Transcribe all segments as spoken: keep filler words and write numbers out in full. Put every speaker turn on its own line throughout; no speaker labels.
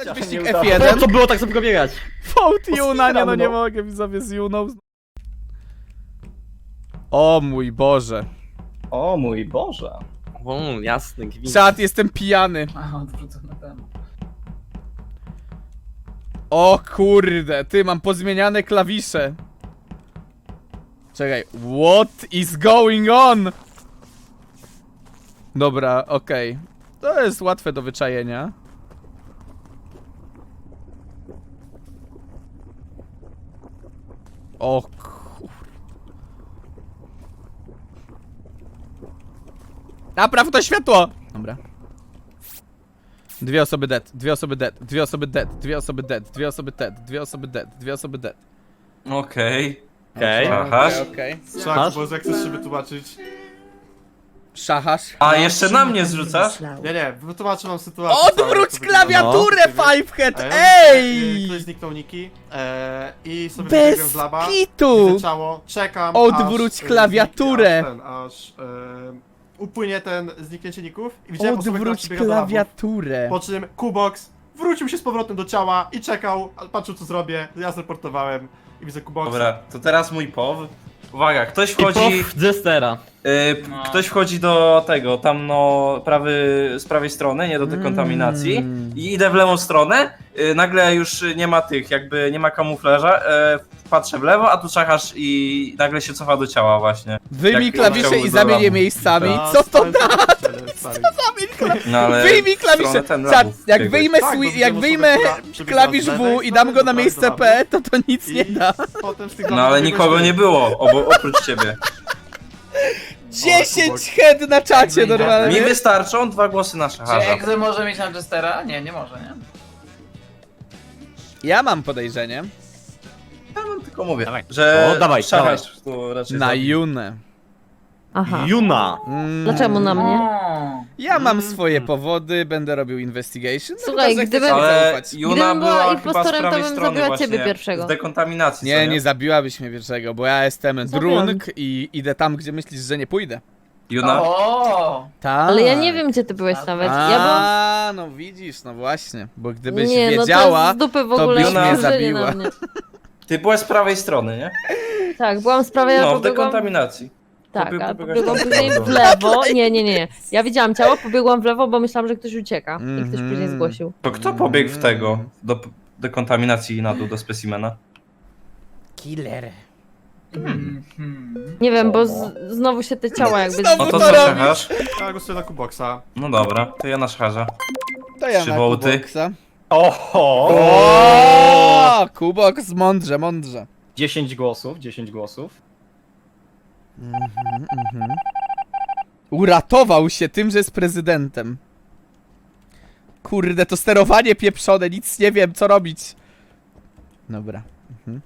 wyścig
nie
F
udało.
jeden.
To było tak szybko biegać.
Vote Juna, nie no nie
no.
mogę, widzowie z Juną. O mój Boże.
O mój Boże.
O, jasny gwint.
Czad, jestem pijany.
A, odwrócony temat.
O kurde, ty, mam pozmieniane klawisze. Czekaj, what is going on? Dobra, okej. To jest łatwe do wyczajenia. O kur... Napraw to światło! Dobra. Dwie osoby dead, dwie osoby dead, dwie osoby dead, dwie osoby dead, dwie osoby dead, dwie osoby dead, dwie osoby dead.
Okej.
Okej.
Aha.
Okej, okej.
Szak, bo jak chcesz się wytłumaczyć.
Szachasz.
A jeszcze na mnie zrzucasz?
Nie, nie, wytłumaczę wam sytuację. całą,
Odwróć
jak to wygląda.
klawiaturę,
No.
Fivehead!
E,
Ej!
Ktoś zniknął Niki e, i sobie
Bez
wybiegłem z laba.
kitu!
Widzę ciało, czekam
Odwróć
aż, e,
klawiaturę.
Zniknie, aż ten, aż e, upłynie ten zniknięcie ników i widziałem osobę, która
Odwróć
przybiega do labu.
klawiaturę.
Po czym Kubox wrócił się z powrotem do ciała i czekał, a patrzył co zrobię, ja zreportowałem i widzę Kuboxa.
Dobra, to teraz mój pow. Uwaga, ktoś
I
wchodzi.
pow Jestera.
Y,
No.
Ktoś wchodzi do tego, tam no, prawy, z prawej strony, nie do dekontaminacji.
Mm.
I idę w lewą stronę. Y, nagle już nie ma tych, jakby nie ma kamuflaża. Y, patrzę w lewo, a tu czachasz i nagle się cofa do ciała właśnie.
Wyjmij
Jak
klawisze
chciałby
i
do
zamień je
labu.
miejscami.
A,
Co to
stary,
da?
stary, stary.
Zamień klawisze.
No ale
Wyjmij
w stronę
klawisze.
ten
Czad,
labów
jak
biegłeś.
wyjmę,
Tak, bo
swi-
widzę
jak
osobę,
wyjmę
która przebiegła
klawisz
z lewej
W i
strony
dam go na
do
miejsce
labu.
P, to to nic
I
nie da.
potem z tych
No
labów
ale
biegłeś
nikogo
ty.
nie było, obo, oprócz ciebie.
dziesięć head na czacie
Jakby
Mi
normalnie.
wystarczą dwa głosy na
Czy
szacharza.
Egzy może mieć na Jestera? Nie, nie może, nie?
Ja mam podejrzenie.
Ja wam tylko mówię,
Dawaj.
że
O, dawaj,
szacharz to raczej
Na
zabi-
Junę.
Aha.
Juna.
Mm.
Dlaczego na mnie?
O,
Ja mam swoje powody, będę robił investigation. No
Słuchaj,
chyba, że
gdyby-
chcecie mi
Ale
zaufać.
Juna
Gdybym była
była chyba z
impostorem, to
prawej
bym
strony
zabiła
właśnie
ciebie pierwszego.
z dekontaminacji,
Nie,
co
nie zabiłabyś mnie pierwszego, bo ja jestem
Zabiłam.
drunk i idę tam, gdzie myślisz, że nie pójdę.
Juna?
o,
Tak.
Ale ja nie wiem, gdzie ty byłeś
A,
nawet.
A,
Ja byłam...
no widzisz, no właśnie, bo gdybyś
Nie, no to
wiedziała,
z dupy w
to
ogóle
byś mnie
spojrzenie
zabiła.
na mnie.
Ty byłaś z prawej strony, nie?
Tak, byłam z prawej, ja
No, w
pobiegłam...
dekontaminacji.
Tak,
Pobieg-
a
pobiegasz
pobiegłam
tam.
później w lewo. Nie, nie, nie. Ja widziałam ciało, pobiegłam w lewo, bo myślałam, że ktoś ucieka. I ktoś
Mhm.
później zgłosił.
To kto pobiegł w tego, do p- dekontaminacji i na dół do specimena?
Killer.
hmm, hmm.
Nie wiem, bo z, znowu się te ciała jakby...
Znowu
No to
to
co,
robisz?
szacharz?
Ja głosuję na Kuboxa.
No dobra, to ja na szacharza.
To ja
Trzy
na
wołty.
Kuboksa.
Oho!
O, Kuboks, mądrze, mądrze.
dziesięć głosów, dziesięć głosów.
Uratował się tym, że jest prezydentem. Kurde, to sterowanie pieprzone, nic nie wiem, co robić. Dobra. Mhm.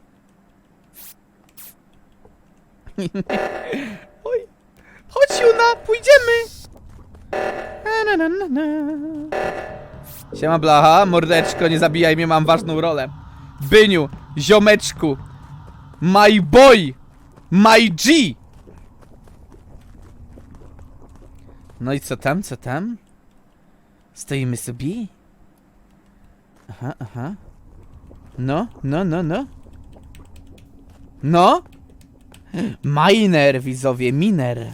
Oj. Chodź, Juna, pójdziemy. Na, na, na, na. Siema, blacha, mordeczko, nie zabijaj mnie, mam ważną rolę. Byniu, ziomeczku, my boy, my G. No i co tam, co tam? Stoimy sobie? Aha, aha. No, no, no, no. No? Miner, widzowie, miner.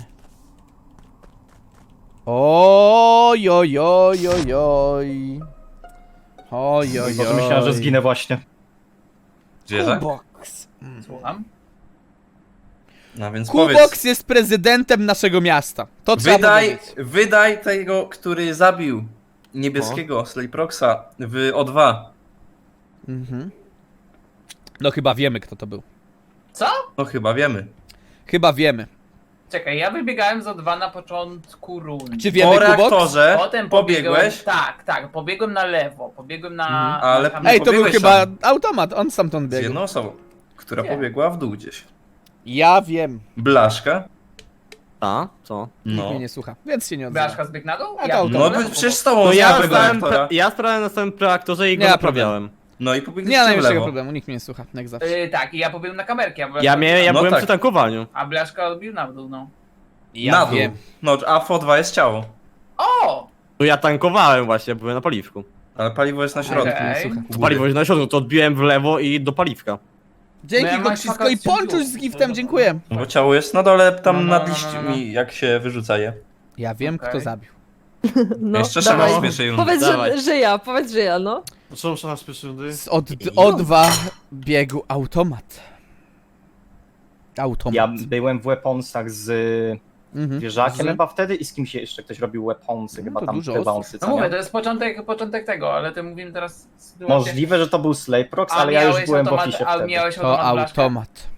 Oj, oj, oj, oj, oj. Oj, oj,
Może
oj.
myślałem, że zginę właśnie.
Zwierzak?
Kubox.
Słucham?
No więc powiedz.
Kubox jest prezydentem naszego miasta. To trzeba
Wydaj,
powiedzieć.
wydaj tego, który zabił niebieskiego Slayproxa w O dwa.
Mhm. No chyba wiemy, kto to był.
Co?
No chyba wiemy.
Chyba wiemy.
Czekaj, ja wybiegałem z O dwa na początku rundy.
Czy wiemy,
Po
Kubox?
reaktorze
Potem pobiegłem,
pobiegłeś,
tak, tak, pobiegłem na lewo, pobiegłem na...
Mhm.
Ale-
na kamerę.
Ej, to był
pobiegłeś
chyba
tam.
automat, on stamtąd
z
biegł.
jedną osobą, która
Gdzie?
pobiegła w dół gdzieś.
Ja wiem.
Blaszka?
A, co?
Nikt
No.
mnie nie słucha, więc się nie odzywa.
Blaszka zbiegł na dół?
A to
Ja
auto.
No
byłem
by- przecież z tobą
No ja
z tego
sprawdzałem,
reaktora.
ja sprawdzałem na samym preaktorze i go
Nie ma
naprawiałem.
No i
Nie ma
pobiegliście w
najmniejszego
lewo.
problemu, nikt mnie nie słucha, jak zawsze.
Yy, tak, i ja pobiegłem na kamerkę. A Blaszka
Ja, mnie, ja
No
byłem
tak.
przy tankowaniu.
A Blaszka odbił na dół, no.
Ja
Na dół.
wiem.
No, a w O dwa jest ciało.
O!
No ja tankowałem właśnie, byłem na paliwku.
Ale paliwo jest na środku.
Okej.
Słuchaj.
To paliwo na środku, to odbiłem w lewo i do paliwka.
Dzięki
No ja mam
Koksisko i
faktycznie
ponczuś z
tu.
giftem, dziękuję.
Bo ciało jest na dole, tam
No, no,
nad
no,
liśćmi,
no, no.
jak się wyrzuca je.
Ja wiem,
Okej.
kto zabił.
No,
Jeszcze
dawaj.
szama z pierwszej rundy.
Powiedz,
Dawaj.
że, że ja, powiedz, że ja, no.
Czemu szana z pierwszej rundy?
Z od O dwa biegu automat. Automat.
Ja byłem w weaponsach z
Mhm.
wieżakiem
Z-
chyba wtedy i z kimś jeszcze ktoś robił weaponsy,
No
chyba
to
tam
dużo
te
osób.
bouncy,
No
co
mówię,
nie?
to jest początek, początek tego, ale ty mówimy teraz sytuację.
Możliwe, że to był Slayprox,
A
ale ja już
miałeś
byłem w
automat-
oficie
a
wtedy.
miałeś
To
automat blaszkę?
automat.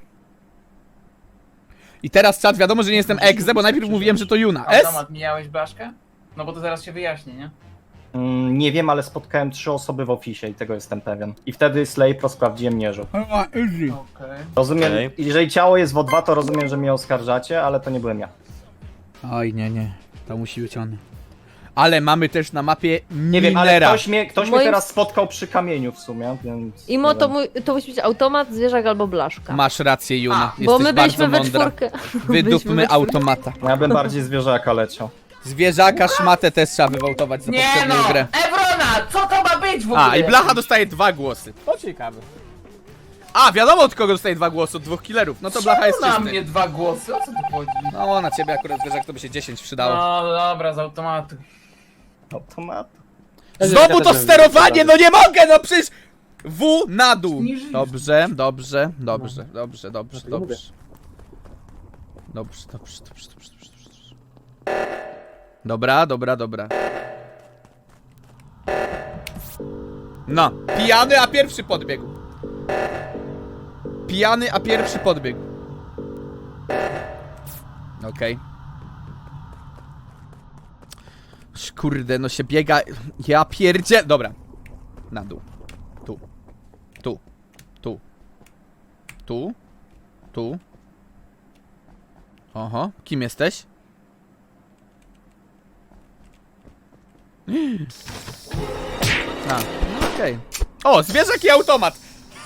I teraz czat, wiadomo, że nie jestem egze, bo najpierw mówiłem, że to Juna. S?
Automat, mijałeś blaszkę? No bo to zaraz się wyjaśni, nie?
Mm, nie wiem, ale spotkałem trzy osoby w oficie i tego jestem pewien. I wtedy Slayprox sprawdziłem mierzu.
Okej.
Rozumiem,
Okej.
jeżeli ciało jest w O dwa, to rozumiem, że mnie oskarżacie, ale to nie byłem ja.
Oj, nie, nie. To musi być on. Ale mamy też na mapie
Nie wiem, ale
minera.
ktoś mnie, ktoś mnie
Moim-
teraz spotkał przy kamieniu w sumie, więc...
Imo,
nie
to,
wiem.
mój, to musi być automat, zwierzak albo blaszka.
Masz rację, Juna.
A,
Jesteś
Bo my
bardzo
byliśmy we
mądra.
czwórkę. Byliśmy we
Wydupmy
czwórkę.
automata.
Ja bym bardziej zwierzaka leciał.
Zwierzaka, szmatę też trzeba wywołtować za
Nie
poprzednią
no!
grę.
Evrona! Co to ma być w ogóle?
A, i Blacha dostaje dwa głosy. To ciekawe. A, wiadomo od kogo dostaje dwa głosy, od dwóch killerów. No to Blacha jest
na
czysty.
mnie dwa głosy, o co tu chodzi?
No, na ciebie akurat zwierzak to by się dziesięć przydało.
No dobra, z automatu.
Automat.
Znowu to sterowanie, no nie mogę, no przecież... W na dół. Dobrze, dobrze, dobrze, dobrze, dobrze, dobrze. Dobrze, dobrze, dobrze, dobrze, dobrze, dobrze. Dobra, dobra, dobra. No, pijany, a pierwszy podbiegł. Pijany, a pierwszy podbiegł. Okej. Kurde, no się biega. Ja pierdzie. Dobra. Na dół. Tu. Tu. Tu. Tu. Tu. Oho, kim jesteś? A, no okej. O, zwierzak i automat.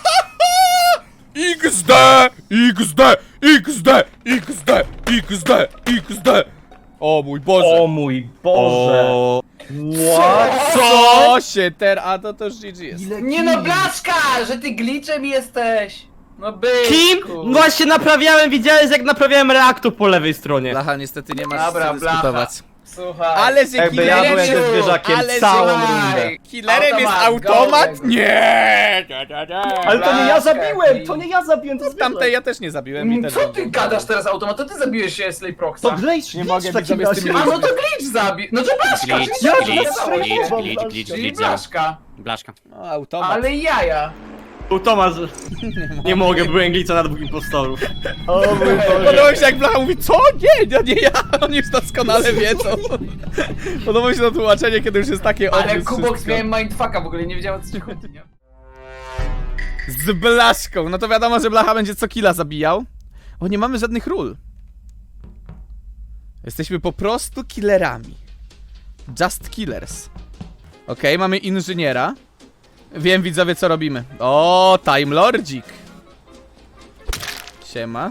X D! X D! X D! X D! X D! X D! O mój Boże!
O mój Boże!
O,
What?
Co się teraz? A to to już G G jest.
Nie no, blaszka! Że ty glitchem jesteś! No byczku!
Kim? Właśnie naprawiałem, widziałeś jak naprawiałem reaktor po lewej stronie.
Blacha, niestety nie masz
Dobra,
co dyskutować.
Słuchaj.
Ale że
Jakby ja byłem
killerem,
ze zwierzakiem
ale
całą
że-
rundę.
killerem jest
Automat,
automat?
go,
Nie! Nie, nie, nie.
Ale to nie ja
Blaszka,
zabiłem! To
i-
nie ja zabiłem, to zwierzak!
Tamtej ja też nie zabiłem i też
Co ty
dobrze.
gadasz teraz automat? To ty zabiłeś się Slayproxa.
To glitch,
Nie
glitch
mogę
w takim
widzowie z tym
razie.
A no to glitch zabił! No to blaszka!
Glitch,
czyli
Ja
glitch,
blaszka,
glitch,
blaszka.
glitch, glitch, glitch,
Czyli
glitch,
blaszka.
Blaszka.
No, automat.
Ale jaja.
U Tomasz, nie mogę, byłem glica na dwóch impostorów.
O mój Boże!
Podoba mi się jak Blacha mówi, co? Nie, to nie ja, oni już doskonale wiedzą. Podoba mi się to tłumaczenie, kiedy już jest takie
Ale
obvious
Kubox
wszystko.
miałem mindfucka, w ogóle nie wiedziałem o co ci chodzi, nie?
Z Blaszką, no to wiadomo, że Blacha będzie co killa zabijał. O, nie mamy żadnych ról. Jesteśmy po prostu killerami. Just killers. Okej, mamy inżyniera. Wiem, widzowie, co robimy. O, Time Lordzik. Siema.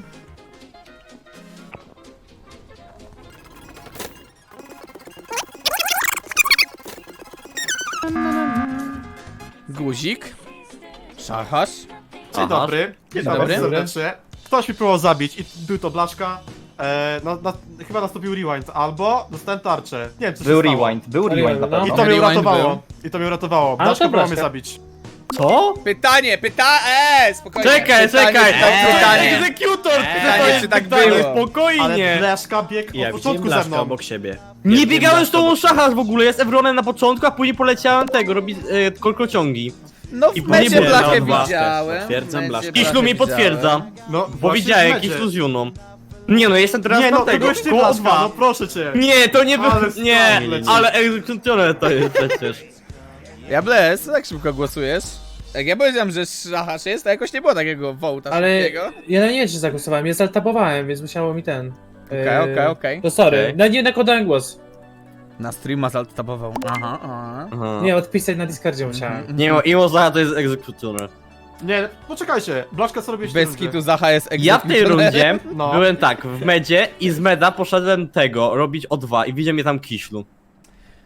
Guzik. Szachasz.
Dzień dobry. Witam
dobry.
was serdecznie. Ktoś mi próbował zabić i był to blaszka. E, na, na, chyba nastąpił rewind, albo dostałem tarczę. Nie wiem co
Był
się stało.
rewind, był rewind na
I
pewno.
to mnie
Rewind
uratowało. I to mnie uratowało. Blaszka próbował mnie zabić.
Co?
Pytanie, pyta... Eee, spokojnie.
Czekaj,
pytanie,
czekaj!
Pytanie, pytanie.
Egzekutor!
Pytanie, czy tak
pytanie,
było?
Ale
Spokojnie!
blaszka biegł od
Ja widziałem
początku ze
blaszkę
mną.
obok siebie.
Nie biegałem z tą szachasz w ogóle, jest Evronem na początku, a później poleciałem tego, robić e, kolkociągi.
No w
I
mecie
później
Blachę
było na
widziałem.
Potwierdzam
w mecie
Blaszkę.
Kiślu
Blachę
mi potwierdza,
widziałem.
No,
bo
właśnie
widziałem
w mecie.
Kiślu z Juną. Nie no, jestem teraz
Nie
na
no, to
tego,
byłeś ty
koło
blaszka,
dwa.
no proszę cię.
Nie, to nie było,
Ale
nie,
stary,
ale egzekutorem to jest przecież.
Ja bles, tak szybko głosujesz? Jak ja powiedziałem, że szachasz jest, to jakoś nie było takiego wołta
Ale
szybkiego.
ja nie wiem, czy zagłosowałem, ja zaltabowałem, więc musiało mi ten...
Okej, okej, okej.
To sorry,
Okej.
na, nie nakładałem głos.
Na streama zaltabował. Aha, aha.
Aha.
Nie, odpisać na Discordzie musiałem.
Nie, no, Imo Zaha to jest egzekutor.
Nie, poczekajcie. Blaszka co robisz?
Bez kitu Zacha jest
Ja w tej
egzekutorem.
rundzie
No.
byłem tak, w medzie i z meda poszedłem tego, robić O dwa i widział mnie tam Kiślu.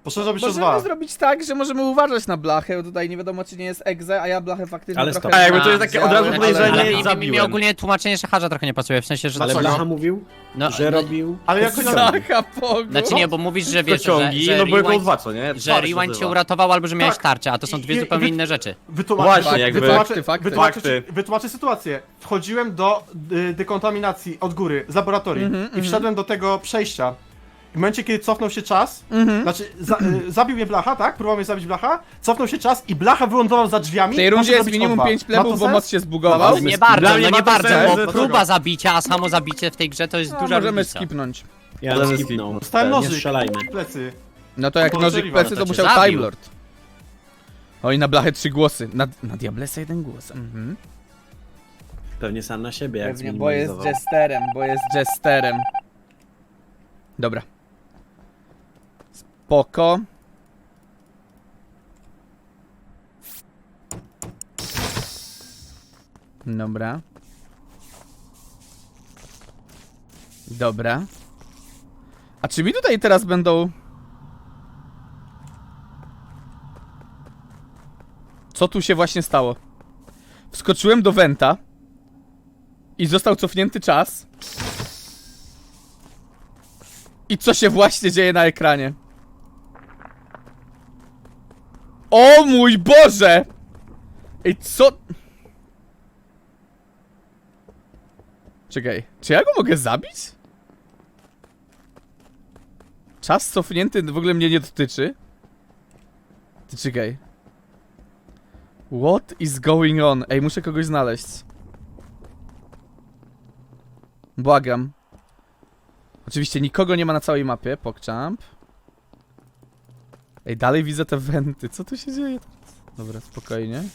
Poszerzałbyś to
Możemy
dwa.
zrobić tak, że możemy uważać na blachę, bo tutaj nie wiadomo czy nie jest egze, a ja blachę faktycznie
Ale
trochę...
stop.
A jakby to jest takie od razu
ale-
podejrzenie,
ale-
nie
mi, mi, mi
zabiłem.
ogólnie tłumaczenie szacharza trochę nie pasuje, w sensie, że...
Ale
Dlaczego?
Blacha mówił,
no,
że
no,
robił...
Ale jako
Zacha Pogo.
Znaczy nie, bo mówisz, że wiesz, że,
Pociągi,
że
no były koło
rewind,
dwa, co nie?
że rewind cię uratował albo że miałeś
Tak.
tarczę, a to są dwie
I- i-
zupełnie
wy-
inne rzeczy.
Wytłumacz,
Właśnie,
tak,
jakby-
wytłumaczę,
Fakty, fakty.
wytłumaczę,
Fakty.
wytłumaczę sytuację. Wchodziłem do y, dekontaminacji od góry, z laboratorii
Mhm,
i wszedłem do tego przejścia. W momencie, kiedy cofnął się czas,
Mhm.
znaczy za, y, zabił mnie Blacha, tak? Próbował mnie zabić Blacha, cofnął się czas i Blacha wylądował za drzwiami.
W tej
może
rundzie jest
zabić
minimum
O dwa.
pięć
Ma
plebów,
to
bo
sens?
moc się zbugował.
Dobra,
Nie bardzo,
Dla
no
mnie
nie
ma to
bardzo,
sens,
bo
dlaczego?
próba zabicia, a samo zabicie w tej grze to jest
No,
duża
możemy
różnica.
skipnąć.
Ja
Ale
skipnął.
Dostałem
Nie
nożyk
strzelajmy.
w plecy.
No to jak
To
nożyk
możliwe,
plecy,
no
to
to cię
musiał
zabił.
Time Lord. Oj, na blachę trzy głosy. Na, na Diablesa jeden głos. Mhm.
Pewnie sam na siebie, jak
Pewnie, bo jest
zminimalizował.
jesterem, bo jest jesterem. Dobra. Spoko. Dobra. Dobra. A czy mi tutaj teraz będą... Co tu się właśnie stało? Wskoczyłem do Wenta i został cofnięty czas. I co się właśnie dzieje na ekranie? O mój Boże! Ej, co? Czekaj, czy ja go mogę zabić? Czas cofnięty w ogóle mnie nie dotyczy. Ty czekaj. What is going on? Ej, muszę kogoś znaleźć. Błagam. Oczywiście nikogo nie ma na całej mapie, PogChamp. Ej, dalej widzę te wenty. Co tu się dzieje teraz? Dobra, spokojnie.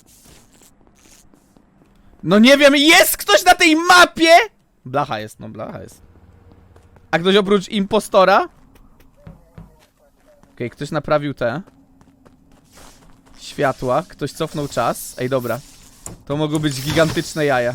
No nie wiem, jest ktoś na tej mapie! Blacha jest, no blacha jest. A ktoś oprócz impostora? Okej, ktoś naprawił te światła, ktoś cofnął czas. Ej, dobra. To mogą być gigantyczne jaja.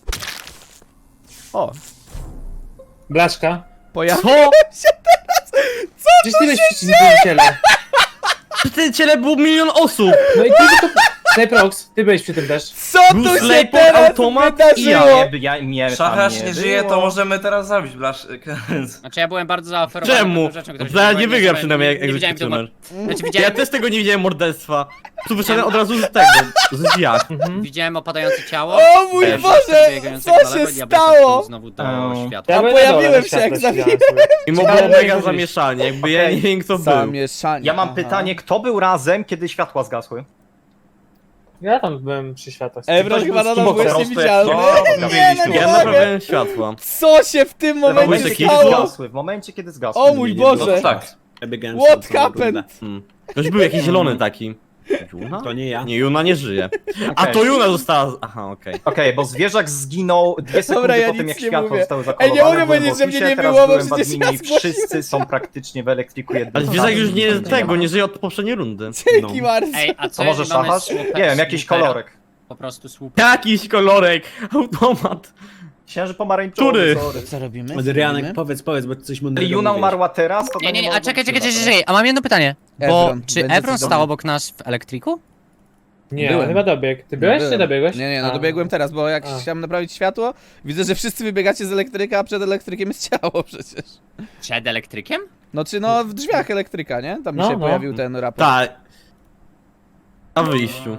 O,
Blaszka.
pojawił
Co?
Gdzieś ty byłeś przy tym ciele.
W tym ciele było milion osób!
No i ty tylko... Slayprox, ty byłeś przy tym też.
Co tu
Był
się
Slayport,
teraz
automat i
wydarzyło?
Nie, ja, mnie tam
Szacharz
nie
nie żyje,
było.
to możemy teraz zabić Blasz.
Znaczy ja byłem bardzo zaoferowany
Czemu?
pewną rzeczą, którą
Zaraz
się
nie
nie
wygra
nie-
przynajmniej jak
nie widziałem tego.
egzekucjoner.
Znaczy
Ja
widziałem,
też tego nie widziałem morderstwa. Tu wyszedłem od razu z tego, z zjad.
widziałem opadające ciało.
O mój
Też
Boże!
biegającego
Co
daleko,
się
diabeł
stało?
wszedł znowu do
Eee.
światła.
A
byłem
pojawiłem
na dole,
się, jak
światło
zabiłem.
światło.
I mogło
Ale
mega
nie
zamieszanie, jakby ja
Okej.
nie wiem kto był.
Zamieszanie.
Ja mam
aha.
pytanie, kto był razem, kiedy światła zgasły?
Ja tam byłem przy światłach.
Evron
Ktoś
chyba
był z
nadal
kimbo,
byłeś
po prostu
niewidzialny.
jak- No,
Nie, no
Ja
nie mogę.
naprawiałem światła.
Co się w tym
W
momencie
momencie, kiedy
stało?
zgasły, w momencie, kiedy zgasły.
O mój
Nie, nie,
Boże!
No to tak.
Ja biegałem
What
sam całą
happened?
rundę.
Hmm. Ktoś był jakiś zielony taki. Juna?
To nie ja.
Nie, Juna nie żyje. A
Okej.
to Juna została... z- Aha, okej.
Okej, bo zwierzak zginął dwie sekundy
Dobra, ja
po tym,
nic
jak
nie
światła
mówię.
zostały
Ej,
zakolowane.
nie mogę
byłem
powiedzieć,
w
że mnie
oficie,
nie
teraz
było, bo
byłem w
przecież
adminie
ja
i
zgłosiłem.
wszyscy są praktycznie w elektryku jednym.
Ale zwierzak już nie jest tego, nie żyje od poprzedniej rundy.
Dzięki
No.
bardzo.
Ej, a co
To może
jeżeli mamy
szachasz?
słupek-
Nie wiem, jakiś
słupera?
kolorek.
Po prostu słup.
Jakiś kolorek, automat.
Księży pomarańczowy,
Który?
sorry.
Co robimy?
Adrianek, powiedz, powiedz, bo ty coś mądrego
Jeżeli Juna
mówisz.
umarła teraz, to
Nie,
to
nie, nie, a
mogło
czekaj,
być
czekaj, czekaj,
chyba,
czekaj, a mam jedno pytanie. Bo
Evron,
czy
będzie
Evron
cudowny.
stał obok nas w elektryku?
Nie,
Byłem.
on chyba dobiegł. Ty byłeś czy
Byłem.
dobiegłeś?
Nie, nie, no
A.
dobiegłem teraz, bo jak
A.
chciałem naprawić światło, widzę, że wszyscy wybiegacie z elektryka, a przed elektrykiem jest ciało przecież.
Przed elektrykiem?
No czy no w drzwiach elektryka, nie? Tam mi
No,
się
no.
pojawił ten raport.
Tak. Na wyjściu.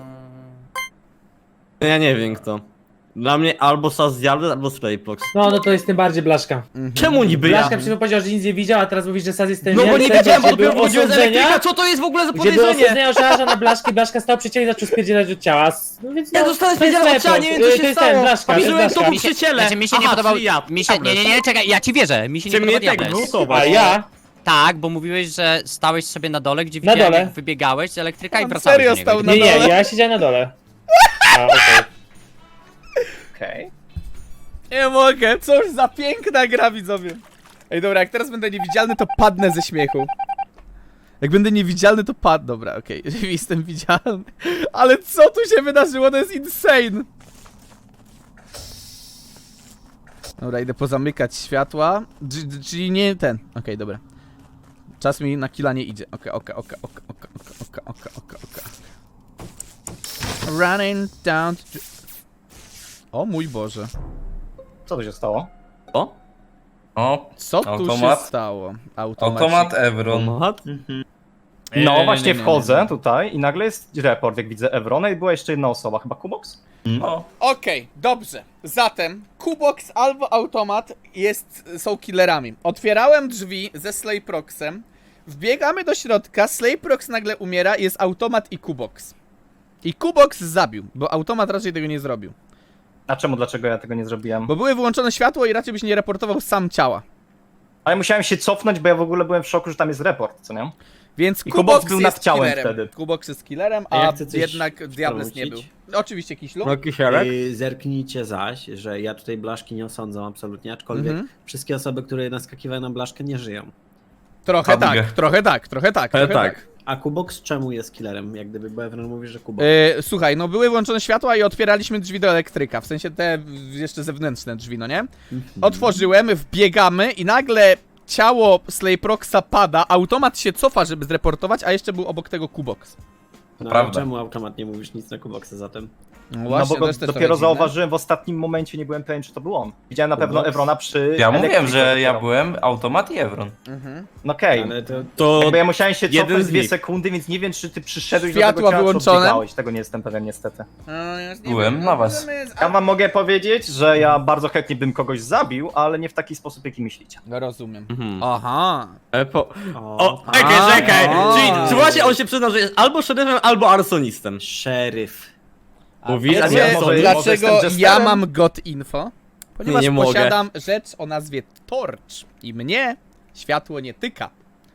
Ja nie wiem kto. Dla mnie albo Sazjady, albo Slayplox.
No, no to jest tym bardziej Blaszka.
Mhm.
Czemu niby ja?
Blaszka przecież powiedział, że nic nie widział, a teraz mówisz, że Saz jest ten
No bo nie
więcej,
wiedziałem, bo
gdzie
dopiero
były
wychodziłem z
osądzenia,
elektryka, co to jest w ogóle za
Gdzie było
podejrzenie?
osądzenia żarza na Blaszki, Blaszka stał przy ciele i zaczął spierdzielać od ciała. No więc
Ja
no,
dostałem
to jest
spierdzielać od ciała,
Slayprox.
nie wiem co
Y,
się
to jest
stało.
ten Blaszka, to jest
Patrzyłem to
Blaszka.
był przy ciele.
Znaczy mi się
Aha,
nie podobał.
czyli ja.
Mi się, nie, nie, nie, czekaj, ja ci wierzę. Mi się nie
Cię mnie
podoba
tak
diabeł.
glutować.
A ja?
Tak, bo mówiłeś, że stałeś sobie na dole, gdzie
Na
widziałem
dole.
jak wybiegałeś z elektryka i
On
wracałeś
serio
do niego.
stał na
Nie, nie,
dole.
ja siedziałem na dole. A, okej.
Okej.
Nie mogę, cóż za piękna gra, widzowie. Ej, dobra, jak teraz będę niewidzialny, to padnę ze śmiechu. Jak będę niewidzialny, to padnę. Dobra, okej, jestem widzialny. Ale co tu się wydarzyło, to jest insane. Dobra, idę pozamykać światła. Dż- dż- Czyli nie ten. Okej, dobra. Czas mi na killa nie idzie. Okej, okej, okej, okej, okej, okej, okej, okej, okej. Running down to... O mój Boże.
Co tu się stało?
O?
O,
Co tu
Automat?
się stało? Automat.
automat Evron.
Mat?
Nie,
No
nie,
właśnie
nie, nie,
wchodzę
nie, nie.
tutaj i nagle jest report, jak widzę Evrona i była jeszcze jedna osoba, chyba Kubox?
No.
Okej, dobrze. Zatem Kubox albo Automat jest, są killerami. Otwierałem drzwi ze Slayproxem. Wbiegamy do środka, Slayprox nagle umiera, jest Automat i Kubox. I Kubox zabił, bo Automat raczej tego nie zrobił.
A czemu, dlaczego ja tego nie zrobiłem?
Bo były wyłączone światło i raczej byś nie reportował sam ciała.
Ale musiałem się cofnąć, bo ja w ogóle byłem w szoku, że tam jest report, co nie?
Więc
I
Kubox
Kubox był
jest
nad ciałem
killerem.
wtedy.
Kubox jest killerem,
A
a
ja chcę coś
jednak Diables nie był.
wtrącić.
Oczywiście Kiślu.
No kisielek?
Yy, zerknijcie zaś, że ja tutaj Blaszki nie osądzam absolutnie, aczkolwiek
Mhm.
wszystkie osoby, które naskakiwały na Blaszkę, nie żyją.
Trochę
Fabigę.
tak, trochę tak, trochę tak,
Ale
trochę
tak.
tak.
A Kubox czemu jest killerem? Jak gdyby, bo Evron mówi, że Kubox.
Yy, słuchaj, no były włączone światła i otwieraliśmy drzwi do elektryka, w sensie te jeszcze zewnętrzne drzwi, no nie?
Mhm.
Otworzyłem, wbiegamy i nagle ciało Slayproxa pada, automat się cofa, żeby zreportować, a jeszcze był obok tego Kubox.
No,
prawda.
Czemu automat nie mówisz nic na Kuboxa zatem?
No
No bo
to
go
jest też
dopiero
trochę dziwne.
zauważyłem w ostatnim momencie, nie byłem pewien, czy to był on. Widziałem na pewno
Kubox?
Evrona przy
Ja mówiłem,
elektryku
że ja
dopiero.
byłem automat i Evron.
Mhm.
No okej,
Ale to...
To
jakby ja musiałem się
jeden
cofnąć
z
dwie
nich.
sekundy, więc nie wiem, czy ty przyszedłeś
Światła
do tego ciała,
wyłączone?
czy odbiegałeś. Tego nie jestem pewien niestety.
No, ja już nie
Byłem
wiem,
na
no,
was.
możemy-
Ja wam mogę powiedzieć, że ja bardzo chętnie bym kogoś zabił, ale nie w taki sposób, jaki myślicie.
No, rozumiem.
Mhm.
Aha.
E, po...
O,
O,
a,
czekaj, czekaj!
a.
Czyli czy właśnie on się przyznał, że jest albo szeryfem, albo arsonistem.
Szeryf.
Mówisz,
a
a
nie,
Wiecie,
nie
może- może
dlaczego
jestem jesterem?
ja mam God Info? Ponieważ
Nie, nie mogę.
posiadam rzecz o nazwie Torch i mnie światło nie tyka.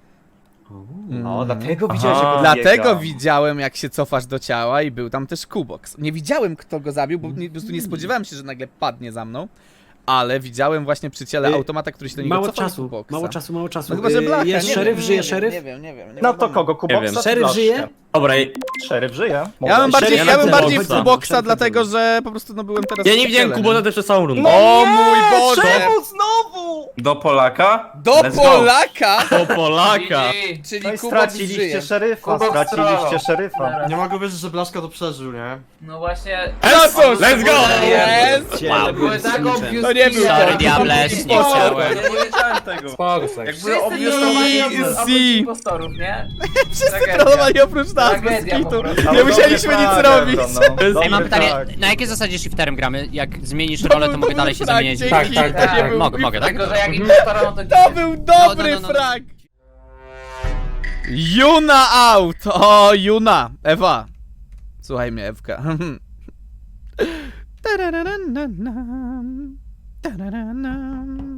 No, dlatego widziałeś,
Aha.
że go
Dlatego
biega.
widziałem, jak się cofasz do ciała i był tam też Kubox. Nie widziałem, kto go zabił, bo nie, po prostu nie spodziewałem się, że nagle padnie za mną. Ale widziałem właśnie przy ciele
Y,
automata, który się do niego
Mało
cofał,
czasu,
Kuboxa.
mało czasu, mało czasu.
No chyba, że
Yy,
Blacha.
Jest
nie
szeryf,
wiem,
żyje
nie
szeryf?
Wiem, nie wiem, nie wiem. Nie
No
wiadomo.
to kogo?
wiem.
Kuboxa czy
Szeryf
Blaszkę?
żyje?
Dobra, i-
Szeryf żyje.
Ja
Mogę-
bym bardziej,
Szeryf
ja bym
żyje.
bardziej w
Kuboxa.
Kuboxa, dlatego że po prostu no byłem teraz...
ja
przy
nie widziałem
ciele,
Kubota przez całą rundę.
O mój Boże!
Czemu znowu?
Do Polaka?
Do
Let's go.
Polaka!
Po Polaka!
G G.
Czyli
No i
Kubox
straciliście
żyje.
szeryfa,
Kubox
straciliście
trollował.
szeryfa.
Teraz.
Nie mogę wierzyć, że Blaszka to przeżył, nie?
No właśnie.
No cóż,
Let's go!
Jest!
Wow.
Były tak obvious
To nie był
killer.
Sorry, Diables, nie chciałem.
Ja nie wiedziałem tego.
Spoko, tak.
Jak były
Wszyscy
obvious, to
trollowali
byli
oprócz oprócz
Easy.
impostorów, nie?
Wszyscy
Tragedia.
trollowali oprócz nas, bez
Tragedia po
kitu.
prostu.
Nie musieliśmy nic robić.
No.
Ej, mam pytanie,
tak.
na jakiej zasadzie shifterem gramy? Jak zmienisz
To
rolę,
był
to mogę dalej się
dobry
zamieniać.
frag,
Tak,
dzięki.
tak,
To
tak,
nie
tak.
był-
Mogę, mogę, tak?
Tylko, że jak impostora, no to...
To był dobry
No, no, no, no.
frag! Juna out! O, Juna! Ewa! Słuchaj mnie, Ewka. Tarararannam. Tararannam.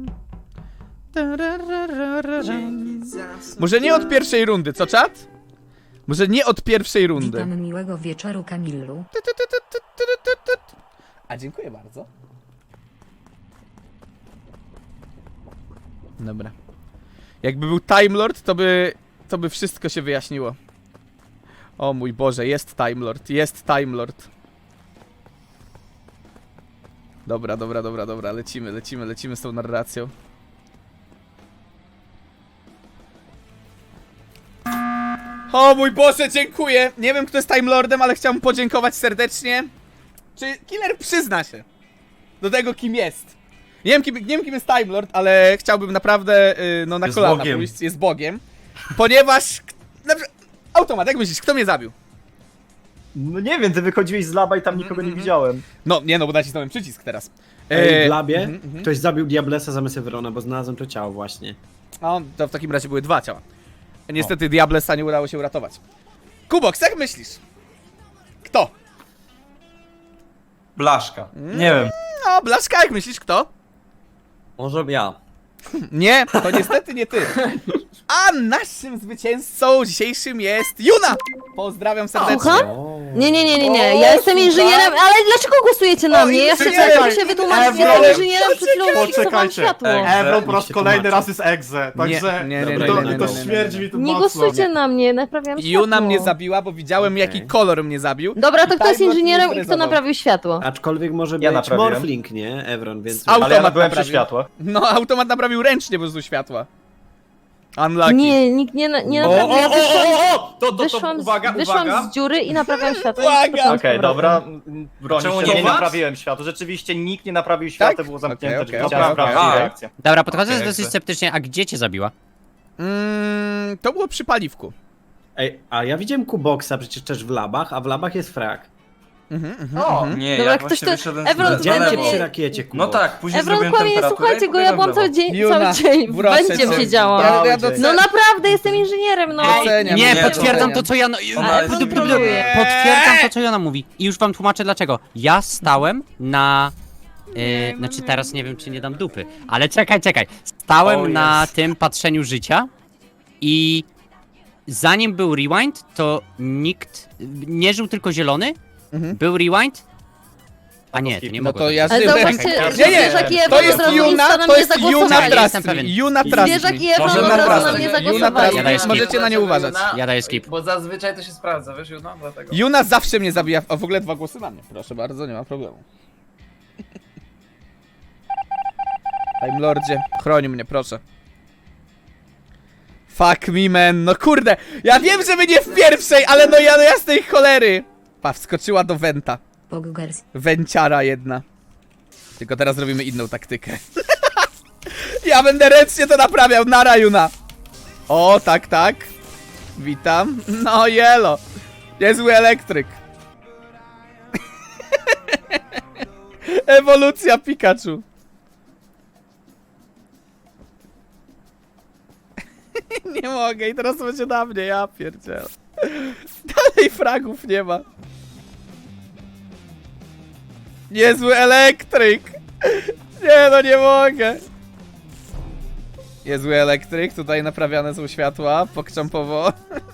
Tararararam. Może nie od pierwszej rundy, co czat? Może nie od pierwszej rundy.
Witam miłego wieczoru, Kamillu.
A dziękuję bardzo. Dobra. Jakby był Time Lord, to by, to by wszystko się wyjaśniło. O mój Boże, jest Time Lord, jest Time Lord. Dobra, dobra, dobra, dobra, lecimy, lecimy, lecimy z tą narracją. O mój Boże, dziękuję! Nie wiem, kto jest Time Lordem, ale chciałbym podziękować serdecznie. Czy Killer przyzna się do tego, kim jest? Nie wiem, kim, nie wiem, kim jest Time Lord, ale chciałbym naprawdę yy, no, na
Jest
kolana
Bogiem.
pójść. Jest Bogiem. Ponieważ... k- Na, przykład- automat, jak myślisz, kto mnie zabił?
No nie wiem, ty wychodziłeś z laba i tam nikogo nie widziałem.
No, nie no, bo nacisnąłem przycisk teraz.
Ej,
Yy,
w labie
mhm, mhm.
ktoś zabił Diablesa zamiast Evrona, bo znalazłem to ciało właśnie.
No, to w takim razie były dwa ciała. Niestety Diablesa nie udało się uratować. Kubox, jak myślisz? Kto?
Blaszka. Nie wiem.
No, Blaszka, jak myślisz, kto?
Może ja.
Nie, to niestety nie ty. A naszym zwycięzcą dzisiejszym jest Juna! Pozdrawiam serdecznie.
Słucham? Nie, nie, nie, nie, nie. Ja jestem inżynierem, ale dlaczego głosujecie na
O,
mnie? Ja chcę
inżynierem.
chcę się wytłumaczyć,
Ewron.
jestem inżynierem, przed chwilą fiksowałam
Poczekajcie.
światło.
Ebron po raz
się
kolejny
tłumaczy.
raz jest egze, także
nie, nie,
nie,
to,
nie, nie,
to
nie, nie,
śmierdzi mi tu
Nie
mocno.
głosujcie na mnie, naprawiam światło.
Juna mnie zabiła, bo widziałem,
Okej.
jaki kolor mnie zabił.
Dobra, to
I
kto jest
Time Lord
inżynierem
mnie
i kto
zrezował.
naprawił światło?
Aczkolwiek może
Ja
być
naprawiłem.
Morphling, nie? Evron, więc...
Auto-
Ale ja
Automat
byłem przy
naprawił.
światłach.
No, automat naprawił ręcznie po prostu światła. Unlucky.
Nie, nikt nie, na- nie
O, o,
naprawił. Ja
o,
wyszłam,
o, o! To, to, to,
wyszłam,
uwaga,
z, wyszłam
uwaga!
z dziury i naprawiam światło. i
Uwaga!
skoczyłam z
Okej,
powrotem.
dobra. Broni
Czemu
się,
nie
nie
masz?
naprawiłem światła. Rzeczywiście nikt nie naprawił światła,
Tak?
było zamknięte
Okej,
drzwi.
okej,
Chciałem
okej,
sprawdzić
okej.
reakcję.
Dobra, podchodzę
Okej,
dosyć
jakby.
sceptycznie, a gdzie cię zabiła?
Mm, to było przy paliwku.
Ej, a ja widziałem Kuboksa przecież też w labach, a w labach jest frak.
Mhm, mhm,
O,
mhm.
Nie,
Dobra,
ja
ktoś
właśnie
to-
wyszedłem
Evron,
z
Widziałem cię
Evron,
przy
nie-
rakiecie,
No
Kuboks.
tak, później
Evron
zrobiłem
kłamie,
temperaturę
słuchajcie
i
go, ja byłam
pobiegłem
cały
w lewo.
dzień,
Juna,
cały dzień w
proszę
będzie
cię.
siedziałam.
Ja, ja
No
doceniam.
No naprawdę, jestem inżynierem, no.
Doceniam,
Nie,
nie,
potwierdzam
doceniam.
to, co ja...
Ona jest
kontroluję.
Potwierdzam to, co Jona mówi. I już wam tłumaczę dlaczego. Ja stałem na... Yy, znaczy teraz nie wiem, czy nie dam dupy. Ale czekaj, czekaj. Stałem
O,
na
jest.
tym patrzeniu życia i... Zanim był rewind, to nikt... Nie żył tylko zielony.
Mhm.
Był rewind. A nie, to nie
No
mogło
to
być.
ja
Ale
żyłem.
zobaczcie,
Nie,
że
nie,
zwierzak i
to
Evron
jest
od razu
Juna,
insta na
to
mnie
jest Juna
zagłosowali.
Jestem
Trustry.
pewien.
Juna Trustry.
Zwierzak i Evron
Może
od razu na
naprawdę.
mnie
Juna
zagłosowali.
Ja daję
Trustry.
skip.
Możecie na nie uważać.
Ja daję skip.
Bo zazwyczaj to się sprawdza, wiesz, Juna? Dlatego.
Juna zawsze mnie zabija. O, w ogóle dwa głosy na mnie. Proszę bardzo, nie ma problemu. Time Lordzie, chroń mnie, proszę. Fuck me, man. No kurde, ja wiem, że my nie w pierwszej, ale no ja do jasnej cholery. Pa, wskoczyła do Wenta.
Pogugers.
Węciara jedna. Tylko teraz zrobimy inną taktykę. Ja będę ręcznie to naprawiał. Nara, Juna. O, tak, tak. Witam. No, jelo. Niezły elektryk. Ewolucja Pikachu. Nie mogę i teraz to będzie na mnie, ja pierdzielę. Dalej fragów nie ma. Niezły elektryk. Nie no, nie mogę. Niezły elektryk, tutaj naprawiane są światła, pokczampowo.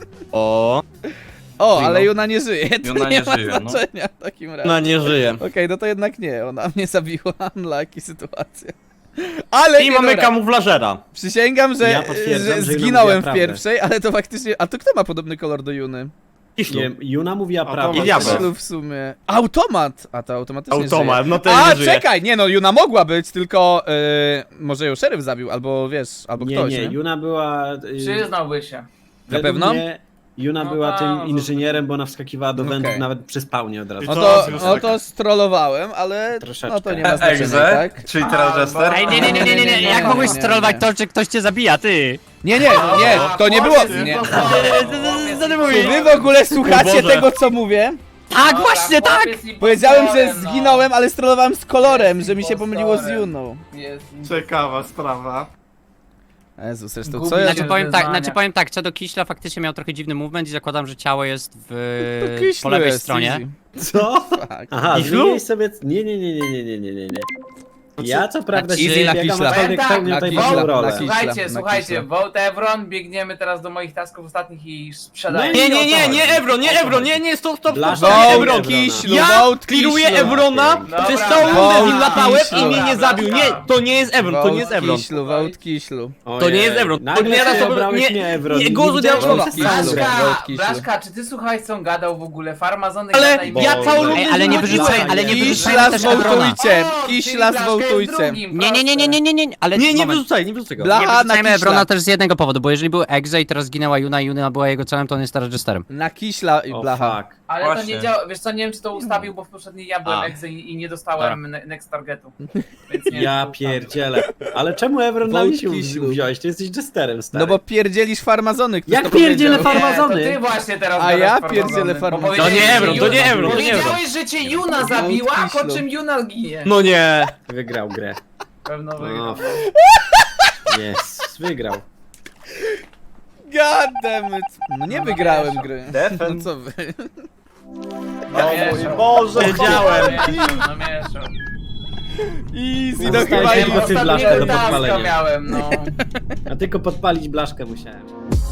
O,
O, ale Juna nie żyje, to
Juna
nie,
nie
ma
żyje, no.
znaczenia w takim razie.
ona nie żyje.
Okej, no to jednak nie, ona mnie zabiła, unlucky sytuacja. Ale
I
nie,
mamy
dobra.
kamuflażera.
Przysięgam, że,
Ja potwierdzam,
że
że Juna
zginąłem
mówiła
w
prawdę.
pierwszej, ale to faktycznie... A to kto ma podobny kolor do Juny?
Kiślu.
Nie, Juna mówiła
Automat.
prawdę.
I diabeł.
Kiślu w sumie. Automat! A to automatycznie
Automat,
żyje.
no to
A,
nie żyje.
czekaj, nie no, Juna mogła być, tylko yy, może ją szeryf zabił, albo wiesz, albo
Nie,
ktoś,
nie,
nie?
Juna była... y,
Przyznałby się.
według
pewno?
mnie Juna
No
była
tak,
tym
no to-
inżynierem, bo ona wskakiwała do wędrów
Okej.
nawet przy spawnie od razu.
No
I
to,
już
no
taka-
to strollowałem, ale
Troszeczkę.
no to nie ma znaczenia,
Egze,
tak?
czyli teraz
A,
Jester.
Ej, nie, nie, nie, nie, nie, nie. Jak
Nie,
mogłeś
nie, nie,
strollować
nie.
to, że ktoś cię zabija, ty?
Nie, nie, nie, to nie było... Nie.
Co ty
Czy
mówisz?
wy w ogóle słuchacie
Boże.
tego, co mówię?
Tak, właśnie tak!
Powiedziałem, że
no.
zginąłem, ale strollowałem z kolorem, że mi się pomyliło z Juną.
Ciekawa sprawa.
Jezu, zresztą
Gubi
co ja...
się.
Znaczy powiem tak,
Wyznania.
znaczy powiem tak, co do Kiśla faktycznie miał trochę dziwny movement i zakładam, że ciało jest w
To Kiślu
po lewej
jest,
stronie.
easy.
Co?
Fuck.
Aha,
Kiślu?
zmieniłeś sobie... Nie, nie, nie, nie, nie, nie, nie, nie, nie. Ja co prawda
Easy
się
na
biegam,
Kiśla.
aczkolwiek
Tak,
pełnię
na
tutaj
Kiśla,
ważną
na
rolę.
Kiśla.
Słuchajcie,
na
słuchajcie,
Kiśla.
Vote Evron, biegniemy teraz do moich tasków ostatnich i sprzedaję.
No
Nie, nie, nie, nie, Evron, nie, Evron, nie, nie, stop, stop, stop,
Blaszka.
stop,
Vote
Evron.
Vote Kiślu,
Ja
vote
clearuję
Kiślu.
Evrona,
Dobra,
przez całą
dobra.
rundę z nim latałem i
Kiślu.
mnie nie zabił. Nie, to nie jest Evron, to nie jest
Vote
Evron.
Kiślu, vote Kiślu.
To nie jest Evron. To
Nagle
nie
ty
raz
obrałeś
nie,
mnie, Evron.
nie,
Nie
głosu
widziałem,
diabła.
że przez całą grę.
Blaszka,
Vote Kiślu.
Blaszka, czy ty słuchałeś co on gadał w ogóle? Farmazony
Ale
gada i
ja
mówi-
całą
Ej,
rundę
Ej, ale nie
zgłosiłem.
wyrzucaj, ale nie wyrzucajmy
Kiśla
też Evrona.
zwołtujcie,
O, czyli
Kiśla
Blaszka jest
zwołtujcie.
drugim,
Nie, nie, nie, nie, nie, nie, nie, ale
Nie, nie
moment.
wyrzucaj, nie wyrzucaj go.
Bla-
Nie
Aha,
wyrzucajmy
na
Evrona
Kiśla.
też z jednego powodu, bo jeżeli był Exe i teraz zginęła Juna i Juna była jego celem, to on jest teraz Jesterem.
Na Kiśla i
O,
blacha.
fuck.
Ale to
Właśnie.
nie działa, wiesz co, nie wiem czy to ustawił, bo w poprzedniej ja byłem
A.
exe i, i nie dostałem ne next targetu. Więc nie wiem,
Ja
czy to ustawił.
pierdzielę. Ale czemu Evron na
Vote
mnie się
Kiślu.
wziąłeś? Ty jesteś Jesterem, stary.
No bo pierdzielisz farmazony, ktoś
Jak
to
pierdzielę
powiedział.
farmazony?
Nie, to ty właśnie teraz
A
gadasz
ja
farmazony,
pierdzielę
bo
farmazony.
powiedziałeś,
To nie
że
Evron, to nie
Juna-
Evron, to nie Evron.
Powiedziałeś, że cię Juna zabiła, po
Kiślu.
czym Juna ginie.
No nie.
Wygrał grę.
Pewno
No.
wygrał.
Jest, wygrał.
God damn it. No nie wygrałem gry.
Defen.
No co wy?
Namieszał.
Boże,
Wiedziałem.
Namieszał, namieszał.
Easy, no
Zostałeś
chyba
tylko
easy.
ty blaszkę do
Ostatniego taska
podpalenia.
miałem, no.
A tylko podpalić blaszkę musiałem.